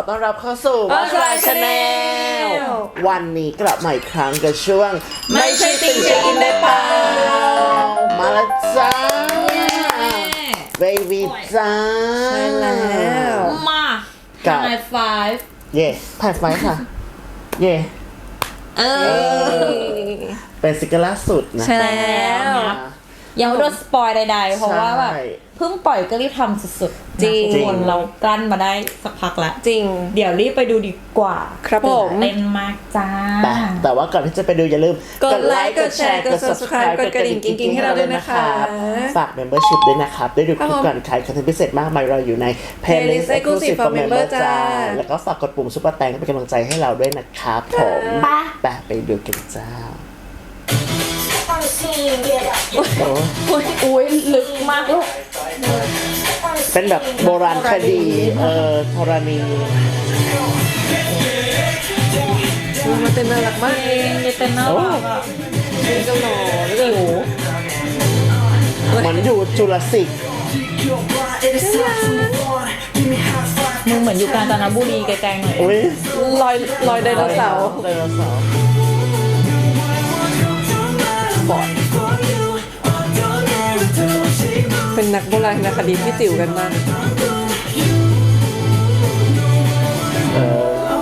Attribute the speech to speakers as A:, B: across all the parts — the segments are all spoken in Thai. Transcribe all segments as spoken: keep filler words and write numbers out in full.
A: ต้อนรับเข้าสู่ Watch My Channel วันนี้กลับมาอีกครั้งกับช่วงไม่ใช่ติ่งเช็คอินได้เปล่ามาแล้วจ้าเบบีจ้า
B: ใช่แล้ว
C: มากับไฮไฟฟ์
A: เย่ไฮไฟฟ์ค่ะเย่
C: เออ
A: เป็นซิงเกิลล่าสุดนะ
C: ใช่แล้วยังไม่โดนสปอยใดๆเพราะว่าแบบเพิ่งปล่อยก็รีบทำสุดๆจริงคนเรากลั้นมาได้สักพักแล้ว
B: จริง
C: เดี๋ยวรีบไปดูดีกว่า
B: ครับผม
C: เต้นมากจ้า
A: แต่แต่ว่าก่อนที่จะไปดูอย่าลืม
B: กดไลค์กดแชร์กด ซับสไครบ์ กดกระดิ่งกิ๊งๆให้เราด้วยนะคะ
A: ฝาก membership ด้วยนะครับได้ดูคลิปก่อนใครคอนเทนต์พิเศษมากมายเราอยู่ใน playlist exclusive for member จ้าแล้วก็ฝากกดปุ่มซุปเปอร์แตงเป็นกำลังใจให้เราด้วยนะครับผมไปไปดูกันจ้า
C: โอ้ยอุ้ยลึกมากลูก
A: เป็นแบบโบราณคดีเอ่อธรณี
B: มันเต้นน่ารักมาก
C: นี่เต้นน่ารักอ่ะ
B: นี่ก็หล่อแล้วก็อยู่
A: เหมือนอยู่จุลศิษย์
C: มึงเหมือนอยู่กาญจนบุรีไกลๆหน่อย
A: อุ้ย
B: ลอยลอยไดโนเสาร์
A: ไดโนเสาร์
B: บอดเป็นนักโบราณคดีที่จิ๋วกันมาก
A: เออ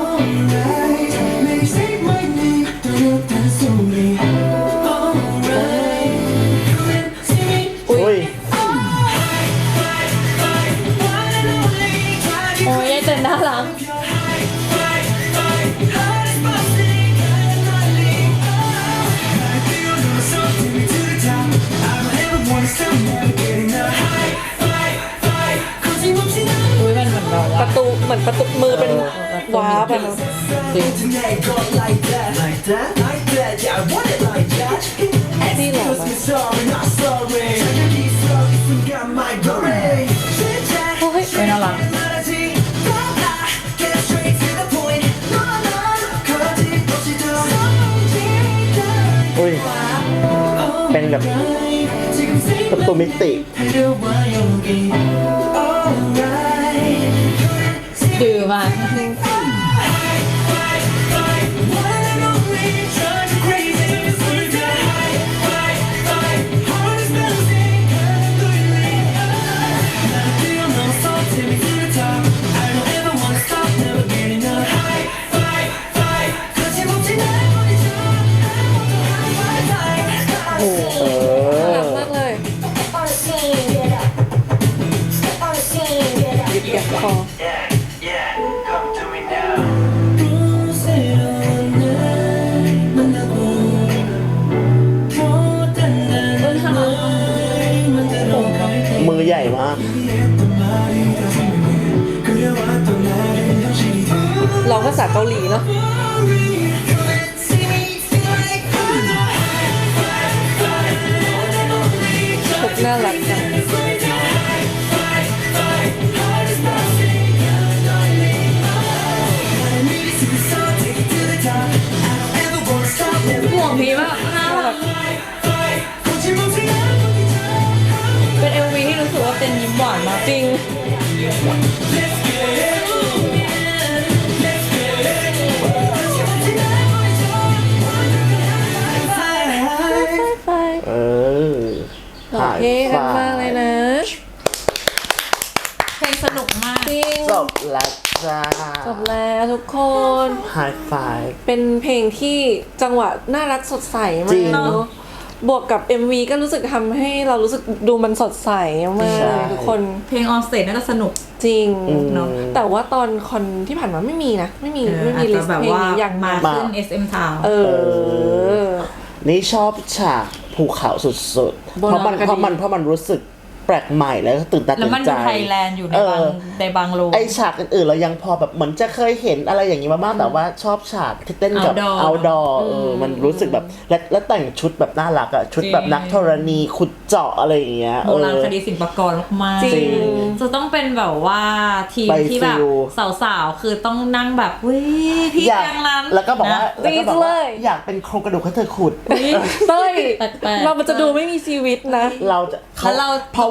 A: อุ้ย
C: โอ้ยเต้นน่ารักอุ้ยมันเหมือนเรา
B: ประตูเหมือนประตูมือเป็นว้าบอะที่หล่อมาก
C: โอ้ยไม่น่ารัก
A: อุ้ยเป็นแบบประตูมิติ
C: ดื้อมาก
A: มือใหญ่มาก
B: ร้องภาษาเกาหลีเนาะน่ารักจัง
C: ห่วงพี่มากน่ารักเป็น เอ็ม วี ที่รู้สึกว่าเป็นยิ้มหวานมาก
B: จริง
A: เออ
B: เท่กันมากเลยนะ
C: เพลงสนุกมาก
B: จริง
A: จบแล้วจ้า
B: จบแล้วทุกคน
A: ไฮไฟฟ์
B: เป็นเพลงที่จังหวะน่ารักสดใสมากเนาะบวกกับ เอ็ม วี ก็รู้สึกทำให้เรารู้สึกดูมันสดใสมากเลยทุกคน
C: เพลงออนสเตจน่าจะสนุก
B: จริงเนาะแต่ว่าตอนคอนที่ผ่านมาไม่มีนะไม่มีไม่มีลิสต์เพลงนี้อย่าง
C: มาขึ้น เอส เอ็ม Town
B: เออ
A: นี่ชอบฉากภูเขาสุดๆเพราะมันเพราะมันเพราะมันรู้สึกแปลกใหม่แล้วก็ตื่นตาตื่นใจแล้วมัน
C: อยู่ไทยแลนด์อยู่ในบางในบางโล
A: ไอฉากอื่นๆเรายังพอแบบเหมือนจะเคยเห็นอะไรอย่างนี้มาบ้างแต่ว่าชอบฉากที่เต้นกับเอาท์ดอร์เออมันรู้สึกแบบและและแต่งชุดแบบน่ารักอะชุดแบบนักธรณีขุดเจาะอะไรอย่างเงี้ย
C: โบราณคดีศิลปากรมากจริงจะต้องเป็นแบบว่าทีมที่แบบสาวๆคือต้องนั่งแบบวิพี่อย่างนั้น
A: แล้วก็บอกว่าแล้วก็บอกว่าอยากเป็นโครงกระดูกให้เธอขุด
B: เต้ยเรามันจะดูไม่มีชีวิตนะ
A: เราจะเขาเพราะ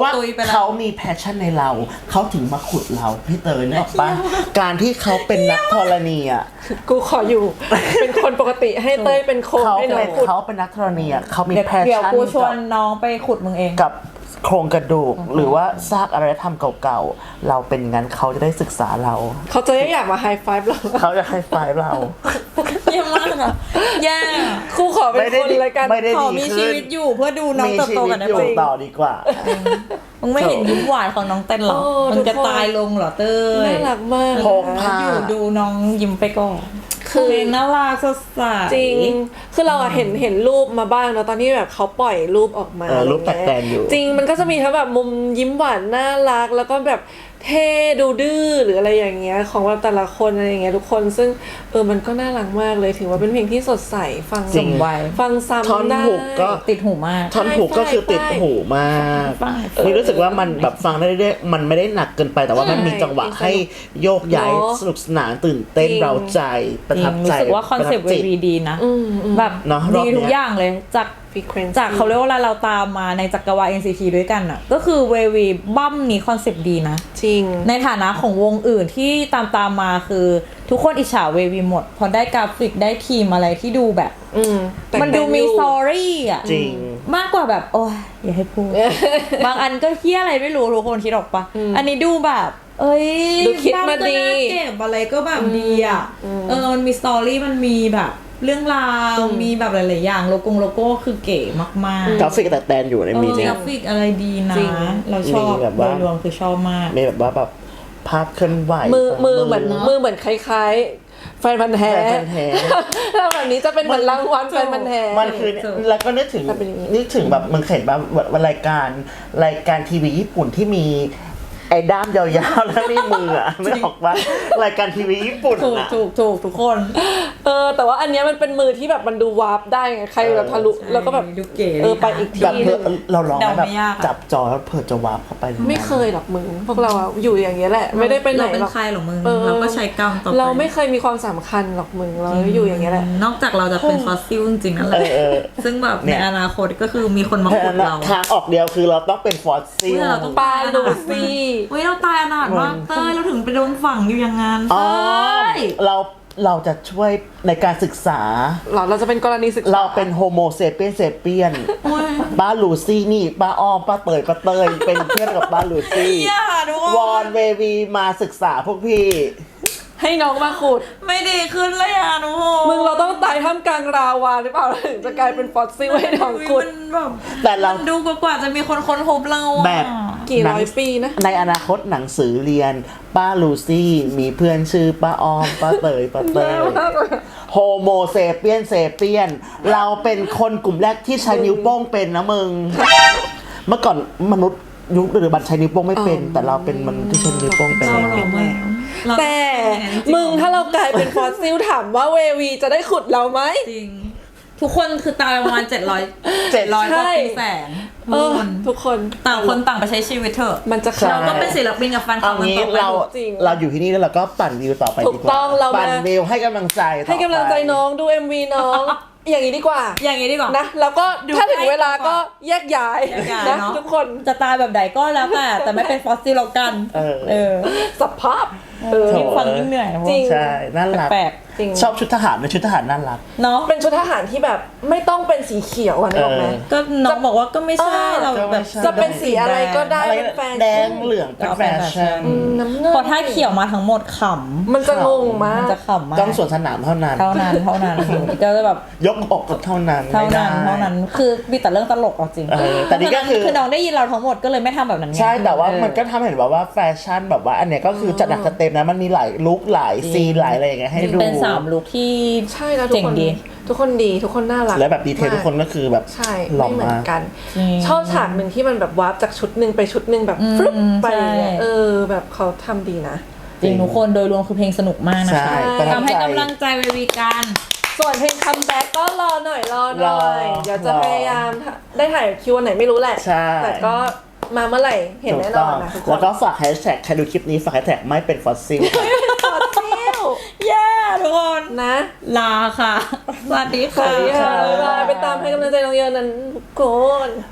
A: ว่า
C: ตุยไปแล้ว
A: เขามีแพชชั่นในเราเขาถึงมาขุดเราพี่เตยนึกออกปะการที่เขาเป็นนักธรณีอ่ะ
B: กูขออยู่ เป็นคนปกติให้เต้ยเป็นโคน
A: เขา
B: ให้น้อ
A: เป็
B: ง
A: น
B: ขุด
A: เขาเป็นนักธรณีอ่ะเขามี
C: เดี๋ยว
A: แพช
C: เดี๋ยว
A: ชั่น
C: กูชว
A: กับ
C: นน้องไปขุดมึงเอง
A: กับโครงกระดูกหรือว่าซากอารยธรรมเก่าๆเราเป็นงั้นเขาจะได้ศึกษาเรา
B: เขาจะได้อยากมาไฮไฟฟ์เรา
A: เขาจะให้ไฟล์เรา
C: เยี่ยมมากอะแย่
B: ครูขอเป็นคนรายการ
A: ไม่ได้
C: ขอ
A: ดี
C: มีชี
A: ขึ้น
C: วิตอยู่เพื่อดูน้อง
A: มี
C: เติบ
A: ชี
C: โต
A: วิ
C: กั
A: ต
C: นได้
A: อยู่
C: ไหม
A: ต่อดีกว่า
C: มึงไม่เห็นยิ้มหวานของน้องเต้นหรอ
B: โอ้
C: มึงจะ
B: ทุกคน
C: ตายลงเหรอเต้ย
B: น่ารักมาก
A: พกพา
C: อยู่ดูน้องยิ้มไปก่อน
B: คือ
C: เพลงน่ารักสดใส
B: จริง คือเราอะเห็นเห็นรูปมาบ้างเนอะตอนที่แบบเขาปล่อยรูปออกมา
A: เออรูป
B: อะไรเงี้
A: แตกๆอยู่
B: จริงมันก็จะมีทั้งแบบมุมยิ้มหวานน่ารัก แล้วก็แบบเท่ดูดื้อหรืออะไรอย่างเงี้ยของแบบแต่ละคนอะไรอย่างเงี้ยทุกคนซึ่งเออมันก็น่ารักมากเลยถือว่าเป็นเพลงที่สดใสฟัง
A: จริง
C: ไว้
B: ฟังซ้ำ
A: ท่อน
B: ได้
A: หุกก็
C: ติดหูมาก
A: ท่อนหูก็คือติดหูมาก
C: ใช่
A: นี่รู้สึกว่ามันแบบฟังได้เรื่อยๆมันไม่ได้หนักเกินไปแต่ว่ามันมีจังหวะให้โยกย้าย
B: เนอะ
A: สนุกสนานตื่นเต้น
B: จริง
A: เราใจประ
C: จริ
A: ทั
C: ง
A: บ
C: รู้
A: ใจ
C: สึกว่าคอนเซปต์
A: ประ
C: เว
A: ทับจิต
C: ทีดีนะ
B: อืมอืม
C: แบบ
A: เนอะรอบ
C: ดี
A: เนี้ย
C: ทุกอย่างเลยจาก
B: frequency
C: จากเขาเรียกว่าเราตามมาในจักรวาล เอ็น ซี ที ด้วยกันอ่ะก็คือเววีบั้มนี้คอนเซปต์ดีนะ
B: จริง
C: ในฐานะของวงอื่นที่ตามตามมาคือทุกคนอิจฉาเววีหมด พอได้กราฟิกได้ทีมอะไรที่ดูแบบ
B: อืมแต่ง
C: มันดูมี
B: อยู่
C: สตอรี่อ่ะ
A: จริง
C: มากกว่าแบบ โอ้ยอย่าให้พูด บางอันก็เฮี้ยอะไรไม่รู้ทุกคนคิดออกปะอันนี้ดูแบบ เอ้ย
B: ดูคิดมาดี
C: บ้นก็น่เก็บอะไรก็แบบดีอ่ะเออมันมีสตอรี่มันมีแบบเรื่องราวมีแบบหลายๆอย่างโลโก้โลโก้คือเก๋มากๆ
A: กราฟิกแต่แตนอยู่ใน
C: เอ
A: มี
C: อ
A: จริง
C: กราฟิกอะไรดีนะ
B: จริง
C: เราชอบ
A: มีแบบว่า
C: โดยรวมคือชอบมาก
A: มีแบบว่าแบบภาพเคลื่อนไหว
B: มือมือเหมือน
C: เนอะ
B: มือเหมือนคล้ายๆแฟนพันธ์แท้
A: แฟนพันธุ์แท้
B: แล้วแบบนี้จะเป็นเหมือนรางวัลแฟนพันธ์แท้
A: มันคือ
C: ถูก
A: แล้วก็นึกถึง
B: แต่เป็นอย่างนี้
A: นึกถึงแบบมึงเห็นแบบว่ารายการรายการทีวีญี่ปุ่นที่มีไอ้ด้ามยาวๆแล้วนี่มืออ่ะไม่ออกว่ารายการทีวีญี่ปุ่น
C: ถูก
A: อ่ะ
C: ถูกถูกทุกคน
B: เออแต่ว่าอันเนี้ยมันเป็นมือที่แบบมันดูวาร์ปได้ไงใครแบบทะลุ
C: ใช่
B: แล้วก็แบบ
C: ดูเก๋
B: เออ
C: ดีนะ
B: ไปอีกที
A: แบบ
B: ห
A: เพื่
B: นึ
A: อง เราลองไหม
C: เดา
A: แบบ
C: ไม่ยากอะ
A: จับจอแล้วเผื่อจะวาร์ปเข้าไปในนั้น
B: ไม่เคยหรอกมึงพวกเราอะอยู่อย่างเงี้ยแหละ ไม่ได้ไปไหน
C: เราเป็น
B: หรอก
C: ใครหรอมึง
B: ออ
C: เราก็ใช้กรรมต่อไป
B: เราไม่เคยมีความสำคัญหรอกมึงเราอยู่อย่างเงี้ยแหละ
C: นอกจากเราจะเป็นฟอสซิลจริงๆนั่นแห
A: เอ
C: ละ
A: อเออ
C: ซึ่งแบบ
A: เนี่
C: ใน
A: ย
C: อนาคตก็คือมีคนมาขุดเรา
A: ทางออกเดียวคือเราต้องเป็นฟอสซิล
C: เพื่อเราต้อง
B: ปลาลูซี่
C: เฮ้ยเราตายอนาถมากเต้ยเราถึงไปโดนฝังอยู่อย่างนั้น
A: อ๋อ
C: เต้ย
A: เราเราจะช่วยในการศึกษา
B: หรอเราจะเป็นกรณีศึกษา
A: เราเป็นโฮโมเซเปียนเซเปียน
C: โอ้ย
A: ป้าลูซี่นี่ป้าอ้อมป้าเตยป้าเตยเป็นเพื่อนกับป้าลูซี่
C: อย่าทุกคน
A: วอนเววีมาศึกษาพวกพี่
B: ให้น้องมาขุด
C: ไม่ดีขึ้นเลยอ่ะทุกคน
B: มึงเราต้องตายท่ามกลางราวาหรือเปล่าเราถึงจะกลายเป็นฟอสซิลให้น้องขุด
C: มันแบบ
A: แต่เรา
C: มันดูกว่าจะมีคนค้นพบเราอะ
A: แบบ
B: กี่ร้อยปีนะ
A: ในอนาคตหนังสือเรียนป้าลูซี่มีเพื่อนชื่อป้าอ้อมป้าเตยป้าเตยโฮโมเซเปียนเซเปียนเราเป็นคนกลุ่มแรกที่ใช้นิ้วโป้งเป็นนะมึง เมื่อก่อนมนุษย์ยุคหรือบัตรใช้นิ้วโป้งไม่เป็น
B: อ๋อ
A: แต่เราเป็นมนุษย์ที่ใช้นิ้วโป้งเป็น
C: เรา
A: แล้ว
C: หลงแล้วเรา
B: แต่
C: จริๆ
B: มึงถ้าเรากลายเป็นฟอสซิลถามว่าเววีจะได้ขุดเราไหม
C: จริง ทุกคนคือตายประมาณเจ็ดร้อย
A: เจ็ด
C: ร้อยกว่า
B: ใช่
C: ปีแสน
B: เอ
C: ทุก
B: อ
C: คน
B: ทุกคน
C: ต่างคนต่างไปใช้ชีวิตเถอะ
B: มันจะ
A: ใช่
C: เราก็เป็นศิลปินกับแฟนคลั
A: เอา
C: บมัน
A: งี้
C: ต่อไป
A: เรา
B: จริง
A: เราอยู่ที่นี่แล้วเราก็ปั่นวิวต่อไป
B: ถู
A: ดี
B: ก
A: กว่า
B: ต้องเรามา
A: ปั่นวิวให้กำลังใจต่อไป
B: ให้กำลังใจน้องดู เอ็ม วี น้อง อย่างนี้ดีกว่า
C: อย่างนี้ดีกว่า
B: นะแล้วก็
C: ดู
B: ถ้าถึง
C: ให้
B: เวลา
C: ดีกว่า
B: ก็แยกย้าย
C: แยกย้าย
B: นะ
C: เนอะ
B: ทุกคน
C: จะตายแบบใดก็แล้วแต่ แต่ไม่เป็นฟอสซิลแล้วกัน
A: เออ
C: เออ
B: สภาพเออ
A: โถ
C: ยิ่งฟังยิ่งเหนื่อยนะพวก
B: จริง
A: ใช่น่ารัก
C: แปลก
B: จริง
A: ชอบชุดทหารเป็นชุดทหารน่ารัก
C: เนาะ
B: เป็นชุดทหารที่แบบไม่ต้องเป็นสีเขียวอะนึกออกไหม
A: เออ
C: ก็น้องบอกว่าก็ไม่ใช่
B: เออ
C: เราแบบ
B: จะเป็นสีอะไรก็ได้
A: อะไร
B: เป็นแฟชั่น
A: แดงเหลืองเป็นแฟชั่น
B: อืมน้ำเงิน
C: พอถ้าเขียวมาทั้งหมดขำ
B: มันจะงงมาก
C: มันจะขำมาก
A: ต้องสวนสนามเท่านั้น
C: เท่านั้นเท่านั้นก็จะแบบ
A: ยกอกก็เท่านั้น
C: เท่า
A: ไม่ได้
C: นั้นเท่านั้นคือมีแต่เรื่องตลกเอาจริง
A: เออแต่นี่ก็คือ
C: คือน้องได้ยินเราทั้งหมดก็เลยไม่ทำแบบนั้นไง
A: ใช่แต่ว่า
C: เออ
A: มันก็ทำให้เห็นแบบว่าแฟชั่นแบบว่าอันเนี้ยก็คือจัดหนักจัดเต็มนะมันมีหลายลุคหลายซีนหลายอะไรอย่างเงี้ยให้ดู
C: เป็นสามลุคที่
B: ใช่แล้วทุก
C: เจ๋
B: ค
C: ง
B: น
C: ดี
B: ทุกคนดีทุกคนน่ารัก
A: และแบบดีเทล
B: มาก
A: ทุกคนก็คือแบบ
B: ใช่
A: หล่อ
B: ไม่เหมือ
A: มาน ก
B: กัน
C: จริง
B: ชอบฉากหนึ่งที่มันแบบวาร์ปจากชุดหนึ่งไปชุดหนึ่งแบบ
C: อืม
B: ฟลุ๊ปไปอย่างเงี้ย
C: ใช่
B: เออแบบเขาทำดีนะ
C: จริงทุกคนโดยรวมคือเพลงสนุกมากนะ
A: ใช่
C: คะ
A: ประทับ
C: ทำให้
A: ใจ
C: กำลังใจเววีกัน
B: ส่วนเพลงคัมแบ็กก็รอหน่อยรอหน่อย
A: รอ
B: เดี๋ยวจะ
A: รอ
B: พยายามได้ถ่ายคิววันไหนไม่รู้แหละ
A: ใช่
B: แต่ก็มาเมื่อไหร่เห็นแน่นอนนะทุกคน
A: แล้วก็ฝากแฮชแท็กใครดูคลิปนี้ฝากแฮชแท็กไม่เป็นฟอสซิล
B: ขอเที่ยว
C: แย่ทุกคน
B: นะ
C: ลาค่ะ สวัสดี
B: ส
C: ค่ะ
B: วัสดีค่ะบ๊ายบายไปตามให้กำลังใจน้องเยอะนั้นทุกคน